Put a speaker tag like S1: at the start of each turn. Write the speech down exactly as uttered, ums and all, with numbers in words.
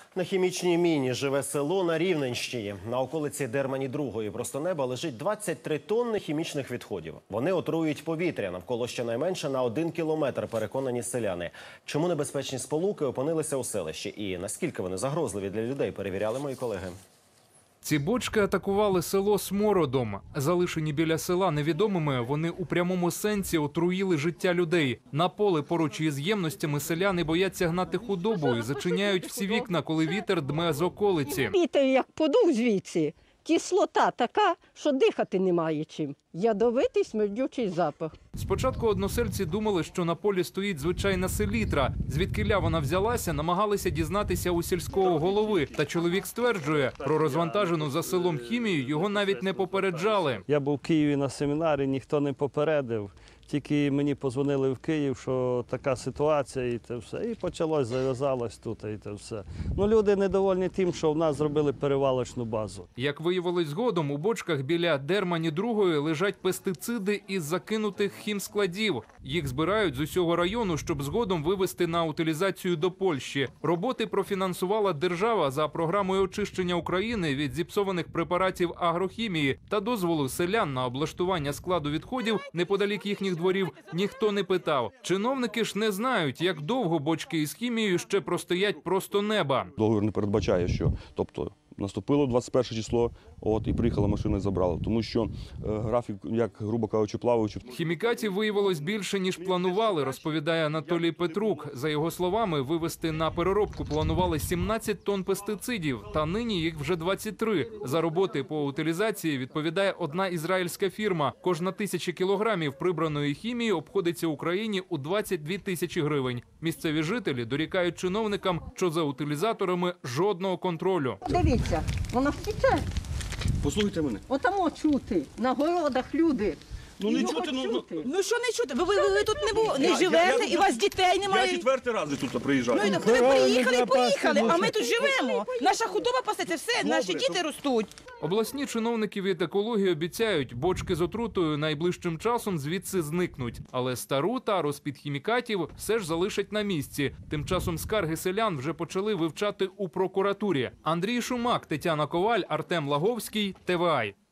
S1: На хімічній міні живе село на Рівненщині. На околиці Дермані-другої просто неба лежить двадцять три тонни хімічних відходів. Вони отруюють повітря навколо щонайменше на один кілометр, переконані селяни. Чому небезпечні сполуки опинилися у селищі і наскільки вони загрозливі для людей, перевіряли мої колеги.
S2: Ці бочки атакували село смородом. Залишені біля села невідомими, вони у прямому сенсі отруїли життя людей. На поле поруч із ємностями селяни бояться гнати худобу і зачиняють всі вікна, коли вітер дме з околиці.
S3: Вітер як подув звідси, кислота така, що дихати немає чим. Ядовитий смердючий запах.
S2: Спочатку односельці думали, що на полі стоїть звичайна селітра. Звідкиля вона взялася, намагалися дізнатися у сільського голови. Та чоловік стверджує, про розвантажену за селом хімію його навіть не попереджали.
S4: Я був в Києві на семінарі, ніхто не попередив. Тільки мені подзвонили в Київ, що така ситуація і те все. І почалось, зав'язалось тут і те все. Ну, люди недовольні тим, що в нас зробили перевалочну базу.
S2: Як виявилось згодом, у бочках біля Дермані-другої лежать пестициди із закинутих хімскладів. Їх збирають з усього району, щоб згодом вивезти на утилізацію до Польщі. Роботи профінансувала держава за програмою очищення України від зіпсованих препаратів агрохімії та дозволу селян на облаштування складу відходів неподалік їхніх дворів ніхто не питав. Чиновники ж не знають, як довго бочки із хімією ще простоять просто неба.
S5: Договір не передбачає, що, тобто, наступило двадцять перше число, от, і приїхала машина і забрала. Тому що е, графік, як, грубо кажучи, плаваючи.
S2: Хімікатів виявилось більше, ніж планували, розповідає Анатолій Петрук. За його словами, вивезти на переробку планували сімнадцять тонн пестицидів, та нині їх вже двадцять три. За роботи по утилізації відповідає одна ізраїльська фірма. Кожна тисяча кілограмів прибраної хімії обходиться Україні у двадцять дві тисячі гривень. Місцеві жителі дорікають чиновникам, що за утилізаторами жодного контролю.
S3: Дивіться, вона втіче.
S5: Послухайте мене.
S3: Отамо чути, на городах люди.
S5: Ну, не
S3: Його
S5: чути, ну,
S3: чути.
S6: Ну що не чути? Ви, ви, ви тут не, бу- не
S5: Я-
S6: живете,
S5: я-
S6: і у вас дітей немає.
S5: Я четвертий раз тут приїжджаю.
S6: Ну і так ви приїхали і поїхали, а ми тут живемо. Наша худоба пасеться, все, наші діти ростуть.
S2: Обласні чиновники від екології обіцяють, бочки з отрутою найближчим часом звідси зникнуть. Але стару тару з-під хімікатів все ж залишать на місці. Тим часом скарги селян вже почали вивчати у прокуратурі. Андрій Шумак, Тетяна Коваль, Артем Лаговський, Т В А.